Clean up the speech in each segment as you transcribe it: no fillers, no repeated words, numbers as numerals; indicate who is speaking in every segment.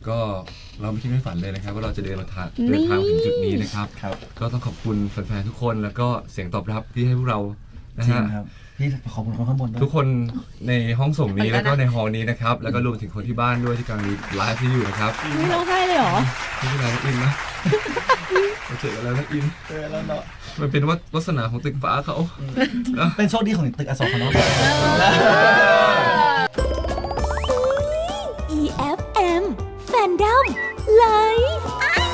Speaker 1: ก็เราไม่คิดไม่ฝันเลยนะครับว่าเราจะเดินทางถึงจุดนี้นะครับก็ต้องขอบคุณแฟนๆทุกคนแล้วก็เสียงตอบรับที่ให้พวกเรานะฮะ
Speaker 2: พี่ขอบคุณคนข้างบนด้วย
Speaker 1: ทุกคนในห้องส่งนี้แล้วก็ในฮอลล์นี้นะครับแล้วก็รวมถึงคนที่บ้านด้วยที่กำลังไลฟ์ที่อยู่นะครับ
Speaker 3: ไม่ร้องไห้เลยเหรอ
Speaker 1: ไม่เป็นไรนะอินนะเจอกันแล้วนะอิน
Speaker 2: เจอแล้วเนาะ
Speaker 1: มันเป็นวาสนาของตึกฟ้าเขา
Speaker 2: เป็นโชคดีของตึกอโศกเขาเนาะ
Speaker 4: EFM Fandom Live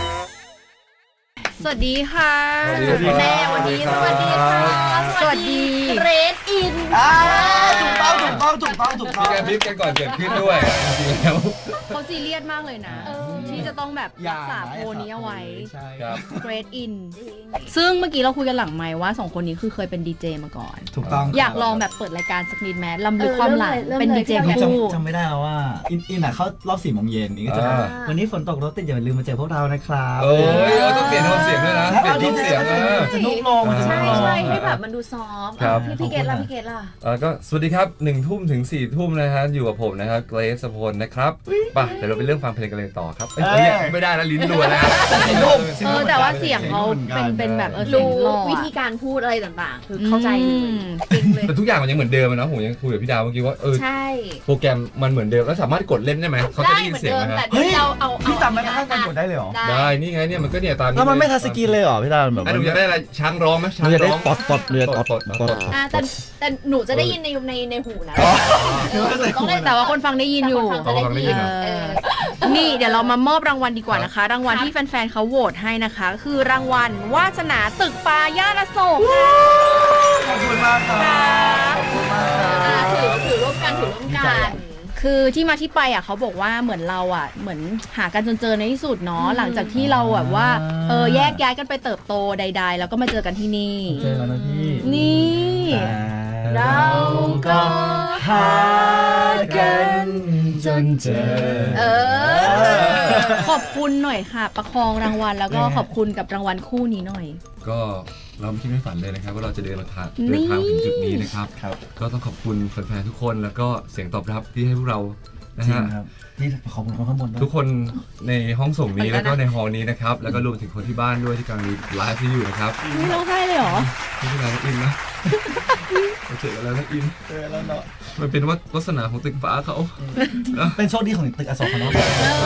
Speaker 3: สวัสดีค่ะ
Speaker 1: แม่
Speaker 3: วันนี้สวัสดีค่ะสวัสดีเรดอิน
Speaker 2: ถูกต้อง
Speaker 1: มีการพิมพ์กันก่อนเกิดขึ้นด้วยจริงๆแล้ว
Speaker 3: เขาซีเรียสมากเลยนะที่จะต้องแบบรักษาโพนี้เอาไว้เกรดอินซึ่งเมื่อกี้เราคุยกันหลังไมค์ว่า2คนนี้คือเคยเป็นดีเจมาก่อน
Speaker 2: ถูกต้อง
Speaker 3: อยากลองแบบเปิดรายการสักนิดแม้ลำลึกความหลังเป็นดีเจคู่
Speaker 2: จำไม่ได้แล้วว่าอินเขารอบ4 โมงเย็นนี่ก็จะวันนี้ฝนตกรถติดอย่าลืมมาเจอพวกเรานะครับ
Speaker 1: โอ้ยต้องเปลี่ยนโทนเสียงด้วยนะเปลี่ยนโทนเสียง
Speaker 2: จะนุ่มลง
Speaker 4: ใช่ให้แบบมันดูซอฟต์พี่เกดล่ะ
Speaker 1: ก็สวัสดีครับ1 ทุ่มถึง4 ทุ่มนะฮะอยู่กับผมนะครับเกรซพลนะครับป่ะเดี๋ยวเราไปเรื่องฟังเพลงกันเลยต่อครับไม่ได้แล้วลิ้นรัวแล้ว
Speaker 3: แต่ว่าเสียงเขาเป็นแบบ
Speaker 4: รู้วิธีการพูดอะไรต่างๆคือเข้าใจเลยจริงเลย
Speaker 1: แต่ทุกอย่างมันยังเหมือนเดิมนะผมยังคุยกับพี่ดาวเมื่อกี้ว่า
Speaker 4: ใช่
Speaker 1: โปรแกรมมันเหมือนเดิมแล้วสามารถกดเล่นได้ไหมเขาจะได้ยินเสียงไหมฮะ
Speaker 4: เฮ้ย
Speaker 2: พี่จำได้ข้างการกดได้เลยเหรอ
Speaker 1: ได้นี่ไงเนี่ยมันก็เนี่ยตาม
Speaker 2: แล้วมันไม่ทัชสกรีนเลยเหรอพี่ดาวแบบ
Speaker 1: หนูจะได้อะไรช้างร้องไหมช้างร้อง
Speaker 2: ปอดเรือปอด
Speaker 4: แต่หนูจะได้ยินในหูนะ
Speaker 3: แต่ว่าคนฟังได้ยินอยู่นี่เดี๋ยวเรามามอบรางวัลดีกว่านะคะรางวัลที่แฟนๆเขาโหวตให้นะคะคือรางวัลวาสนาตึกฟ้าย่านอโศก
Speaker 2: ขอบคุณมากครับขอบคุณมากครับ
Speaker 4: ถือร่วมกัน
Speaker 3: คือที่มาที่ไปเขาบอกว่าเหมือนเราเหมือนหากันจนเจอในที่สุดเนาะหลังจากที่เราแบบว่าแยกย้ายกันไปเติบโตใดๆแล้วก็มาเจอกันที่นี่
Speaker 2: เจอแล้วนะพี่
Speaker 3: นี่
Speaker 4: เราก็
Speaker 2: หากันจนเจอ
Speaker 3: ขอบคุณหน่อยค่ะประคองรางวัลแล้วก็ขอบคุณกับรางวัลคู่นี้หน่อย
Speaker 1: ก็เราไม่คิดไม่ฝันเลยนะครับว่าเราจะเดินทางถึงจุดนี้นะครับก็ต้องขอบคุณแฟนๆทุกคนแล้วก็เสียงตอบรับที่ให้พวกเรานะฮะ
Speaker 2: พี่ขอบคุณคนข้างบน
Speaker 1: ทุกคนในห้องส่งนี้แล้วก็ในฮอลล์นี้นะครับแล้วก็รวมถึงคนที่บ้านด้วยที่กำลังไลฟ์ที่อยู่นะครับ
Speaker 3: ไม่ร้องไห้เลยเหรอ
Speaker 1: ไม่เป็นไรนะอินนะเจอกันแล้วนะอิน
Speaker 2: เจอแล้วเนาะ
Speaker 1: มันเป็นวาสนาของตึกฟ้าเขา
Speaker 2: เป็นโชคดีของตึกอโศกเขาเนาะ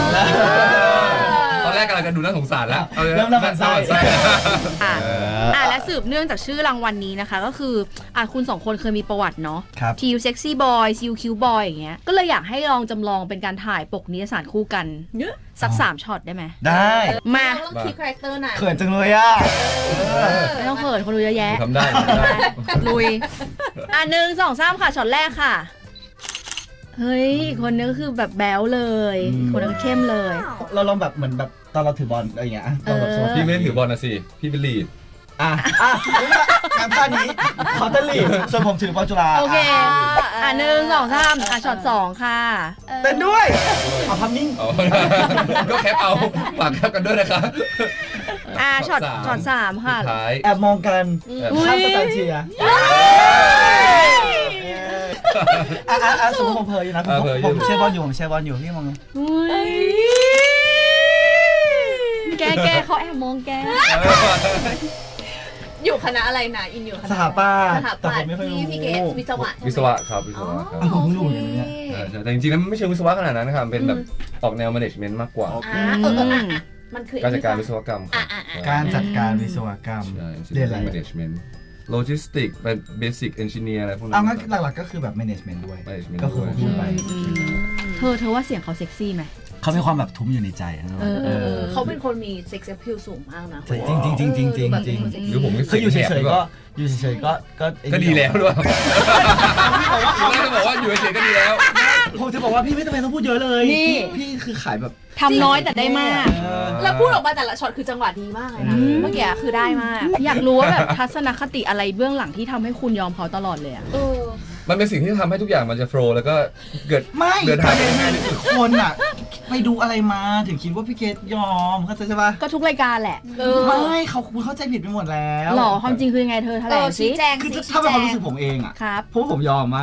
Speaker 1: ตอนแรกกำลังจะดูน่าสงสารแล้ว
Speaker 2: เริ่มน่าสงสาร
Speaker 3: และสืบเนื่องจากชื่อรางวัลนี้นะคะก็คือคุณ2คนเคยมีประวัติเนาะทีวเซ็กซี่บอยซิลคิวบอยอย่างเงี้ยก็เลยอยากให้ลองจำลองเป็นการถ่ายปกนิตยสารคู่กันสัก3 ช็อตได้ไหม
Speaker 2: ได้
Speaker 3: มา
Speaker 4: ต้องคิดคาแรคเตอร์ไหน
Speaker 2: เขินจังเลย
Speaker 3: ไม่ต้องเขินคนดูเยอะแยะ
Speaker 1: ทำได้
Speaker 3: ลุย1 2 3ค่ะช็อตแรกค่ะเฮ้ยคนนึงก็คือแบบแบ๊วเลยคนนึงเข้มเลย
Speaker 2: เราลองแบบเหมือนแบบตอนเราถือบอลอะไรอย่างเงี้ย
Speaker 1: พี่ไม่ได้ถือบอลนะสิพี่เป็นลีด
Speaker 2: งานท่านี้เขาจะลีดส่วนผมถือบอลจุฬา
Speaker 3: โอเค1 2 3ช็อต2ค่ะ
Speaker 2: เป็นด้วยเอาพัมมิ่ง
Speaker 1: ก็แคปเอาฝากแคปกันด้วยนะคะ
Speaker 3: ช็อต3ค่ะ
Speaker 2: แอบมองกันข้ามสแตนเชียสมมติผมเพยอยู่นะผมเชียร์บอลอยู่พี่มอง
Speaker 3: แกเขาแอบมองแก
Speaker 4: อยู่คณะอะไรนะอินอยู่
Speaker 2: สถาปัตย์
Speaker 4: แต่ผมไม่ค่อยรู้พี่เกศวิศวะ
Speaker 1: ครับ
Speaker 2: ผมเพิ่งรู้อย่างนี้
Speaker 1: แต่จริงๆแล้วไม่ใช่วิศวะขนาดนั้นนะครับเป็นแบบออกแนว management มากกว่า
Speaker 4: มันคือ
Speaker 1: การจัดการวิศวกรรม
Speaker 2: การจัดการวิศวกรรม
Speaker 1: เรียนอะไร management logistics เป็น basic engineer อะไรพวกนั้
Speaker 2: นงั้นหลักๆก็คือแบบ management ด้วยก็คือพูดไป
Speaker 3: เธอว่าเสียงเขาเซ็กซี่ไหม
Speaker 2: เขามีความแบบทุ้มอยู่ในใจ
Speaker 4: เขาเป็นคนมีเซ็กซ์แอพิลสูงมากนะ
Speaker 2: จริง
Speaker 1: หรือผม
Speaker 2: คืออยู่เฉยๆ
Speaker 1: ก็ดีแล้วด้วยจะบอกว่าอยู่เฉยๆก็ดีแล้ว
Speaker 2: ผมจะบอกว่าพี่ไม่จำเป็นต้องพูดเยอะเลยพี่คือขายแบบ
Speaker 3: ทำน้อยแต่ได้มาก
Speaker 4: แล้วพูดออกมาแต่ละช็อตคือจังหวะดีมากเลยนะเมื่อกี้คือได้มาก
Speaker 3: อยากรู้ว่าแบบทัศนคติอะไรเบื้องหลังที่ทำให้คุณยอมเขาตลอดเลย
Speaker 1: มันเป็นสิ่งที่ทำให้ทุกอย่างมันจะโฟล์แล้วก็เกิดเดินทางง่ายที่สุด
Speaker 2: คนไปดูอะไรมาถึงคิดว่าพี่เกดยอมเข้าใจใช่ปะ
Speaker 3: ก็ทุกรายการแหละ
Speaker 2: ไม่คุณเข้าใจผิดไปหมดแล้ว
Speaker 3: หรอความจริงคือยังไงเธอแถลงสิ
Speaker 2: คือถ้าเป็นความรู้สึกผมเองครับเพราะผมยอมมากนะ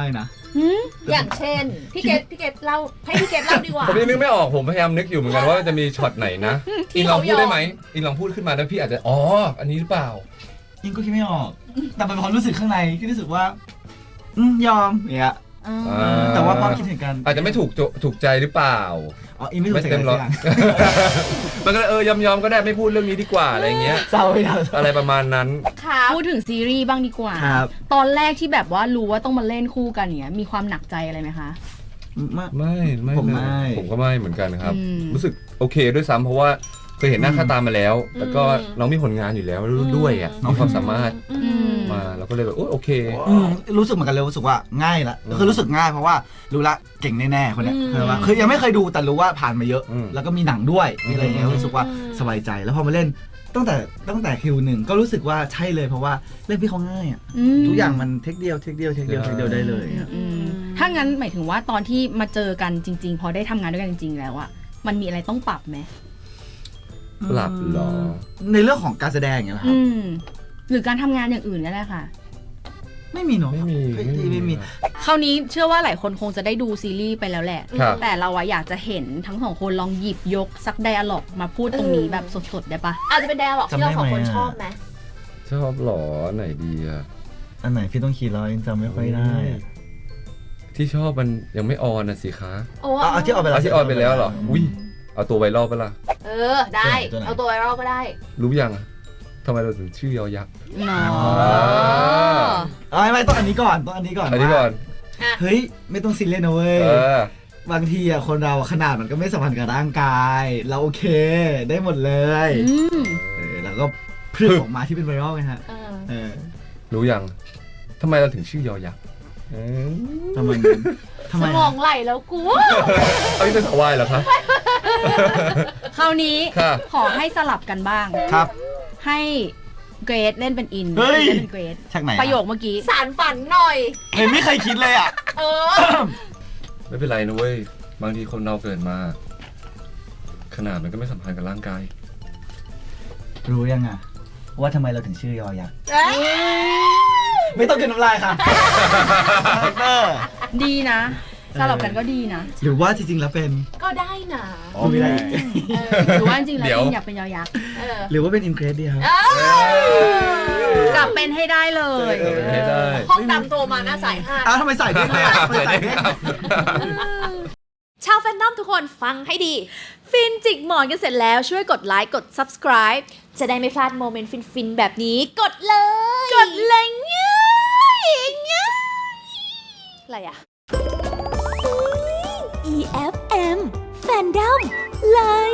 Speaker 4: อย่างเช่นพี่เกดเล่าให้พี่เกดเล่าดีกว่า
Speaker 1: ผมยังนึกไม่ออกผมพยายามนึกอยู่เหมือนกันว่าจะมีช็อตไหนนะ
Speaker 4: ที่
Speaker 1: อิงลองพูด
Speaker 4: เขายอม
Speaker 1: ได้ไหมอิงลองพูดขึ้นมาแล้วพี่อาจจะอันนี้หรือเปล่า
Speaker 2: อิงก็คิดไม่ออก แต่เป็นความรู้สึกข้างในที่รู้สึกว่ายอมอย่างเงี้ย แต่ว่าความคิดเห็นกัน
Speaker 1: อาจจะไม่ถูกใจหรือเปล่า
Speaker 2: อ๋ออิงไม่ถูกใจ
Speaker 1: เต็
Speaker 2: กัน
Speaker 1: มร้อย
Speaker 2: สักอย่าง
Speaker 1: มันก็เลยยอมก็ได้ไม่พูดเรื่องนี้ดีกว่าอะไรเงี้ย
Speaker 2: เศร้าไปแล้ว
Speaker 1: อะไรประมาณนั้น
Speaker 4: ครับ
Speaker 3: พูดถึงซีรีส์บ้างดีกว่า
Speaker 2: ครับ
Speaker 3: ตอนแรกที่แบบว่ารู้ว่าต้องมาเล่นคู่กันเนี้ยมีความหนักใจอะไรไหมคะ
Speaker 1: ไม่
Speaker 2: ผม
Speaker 1: เลย
Speaker 2: ไม่
Speaker 1: ผมก็ไม่เหมือนกันครับ
Speaker 3: อืม
Speaker 1: รู้สึกโอเคด้วยซ้ำเพราะว่าเคยเห็นหน้าค่าตามาแล้ว แล้วก็น้องมีผลงานอยู่แล้วด้วยอ่ะมีความสามารถมาเราก็เลยแบบโอเค
Speaker 2: รู้สึกเหมือนกันเลยรู้สึกว่าง่ายละคือรู้สึกง่ายเพราะว่ารู้ละเก่งแน่ๆคนเนี้ยคือว่าคือยังไม่เคยดูแต่รู้ว่าผ่านมาเยอะ แล้วก็มีหนังด้วยมีอะไรอย่างเงี้ยรู้สึกว่าสบายใจแล้วพอมาเล่นตั้งแต่คิวหนึ่งก็รู้สึกว่าใช่เลยเพราะว่าเล่นพี่เขาง่ายอ่ะทุกอย่างมันเทคเดียวได้เลยอะ
Speaker 3: ถ้างั้นหมายถึงว่าตอนที่มาเจอกันจริง ๆ พอได้ทำงานด้วยกันจริง ๆ แล้วอะมันมีอะไรต้องปรับไหม
Speaker 1: หลับหรอ
Speaker 2: ในเรื่องของการแสดงอย่างเงี้ยเหรอครับ
Speaker 3: หรือการทำงานอย่างอื่นก็ได้ค่ะ
Speaker 2: ไม่มีเนาะ
Speaker 1: ไม่มี
Speaker 2: ไม่มี
Speaker 3: คราวนี้เชื่อว่าหลายคนคงจะได้ดูซีรีส์ไปแล้วแหละ
Speaker 1: ครับ
Speaker 3: แต่เราอะอยากจะเห็นทั้งสองคนลองหยิบยกสักไดอะล็อกมาพูดตรงนี้แบบสดๆได้ปะ
Speaker 4: อาจจะเป็นแดร์หรอกที่เราสองคนชอบไหม
Speaker 1: ชอบหรอไหนดีอะ
Speaker 2: อันไหนพี่ต้องคิดแล้วยังจำไม่ค่อยได้อะ
Speaker 1: ที่ชอบมันยังไม่ออนนะสิคะ
Speaker 4: โอ้
Speaker 2: เอาที่ออกไปแล้ว
Speaker 1: ที่ออนไปแล้วเหรออุ้ยเอาตัวไวรัลไปะล่ะ
Speaker 4: ได้
Speaker 2: ตัวไหน
Speaker 4: เอาตัวไวรัลก็ได้
Speaker 1: รู้ยังอะทำไมเราถึงชื่อยอยักษ์
Speaker 3: เนา
Speaker 2: ไม่ต้องอันนี้ก่อนต้องอันนี้ก่อน
Speaker 1: อันนี้ก่อน
Speaker 2: เฮ้ยไม่ต้องซีเรียสนะเว้ย บางทีอะคนเราอะขนาดมันก็ไม่สัมพันธ์กับร่างกาย เราโอเคได้หมดเลยแล้วก็พรึบออกมาที่เป็นไวรัลไงฮะ
Speaker 1: รู้ยังทำไมเราถึงชื่อยอยักษ์
Speaker 2: ทำไมนั้นทำ
Speaker 4: ส
Speaker 2: ไม
Speaker 4: มองไหลแล้วกู
Speaker 1: เอานี่เป็นสาววายเหรอคะ
Speaker 3: คราวนี้
Speaker 1: ค่ะ
Speaker 3: ขอให้สลับกันบ้าง
Speaker 2: ครับ
Speaker 3: ให้เกรดเล่นเป็นอิน
Speaker 2: เฮ้ย
Speaker 3: เล่นเป็นเกรด
Speaker 2: ชักไหน
Speaker 3: ประโยคเมื่อกี้
Speaker 4: สารฝันหน่อย
Speaker 2: เห็นไม่เคยคิดเลยอ่ะ
Speaker 1: ไม่เป็นไรนะเว้ยบางทีคนเราเกิดมา ขนาดมันก็ไม่สัมพันธ์กับร่างกาย
Speaker 2: รู้ยังอ่ะว่าทำไมเราถึงชื่อยอยักษ์ไม่ต้องกินน้ำลายค่ะ
Speaker 3: ดีนะ สลับกันก็ดีนะ
Speaker 2: หรือว่าจริงๆแล้วเป็น
Speaker 4: ก็ได้นะ
Speaker 2: ไม่ได้
Speaker 3: หรือว่าจริงๆแล้ว
Speaker 1: เดี๋ยว
Speaker 3: อินอยากเป็นยอยักษ์
Speaker 2: หรือว่าเป็นอินเกรสดีครับ
Speaker 3: จับเป็นให้ได้เลย
Speaker 1: ให้ได้
Speaker 4: ห้องดำโทรมาหน้าสายห้า
Speaker 2: ทำไมใส่เด้งเลยอ่ะ
Speaker 1: ใส่ได้ครับ
Speaker 4: ชาวแฟนนอมทุกคนฟังให้ดี ฟินจิกหมอนกันเสร็จแล้วช่วยกดไลค์กด subscribe จะได้ไม่พลาดโมเมนต์ฟินๆแบบนี้กดเลย กดเลยง่ายอะไรอ่ะ
Speaker 5: EFM Fandom Live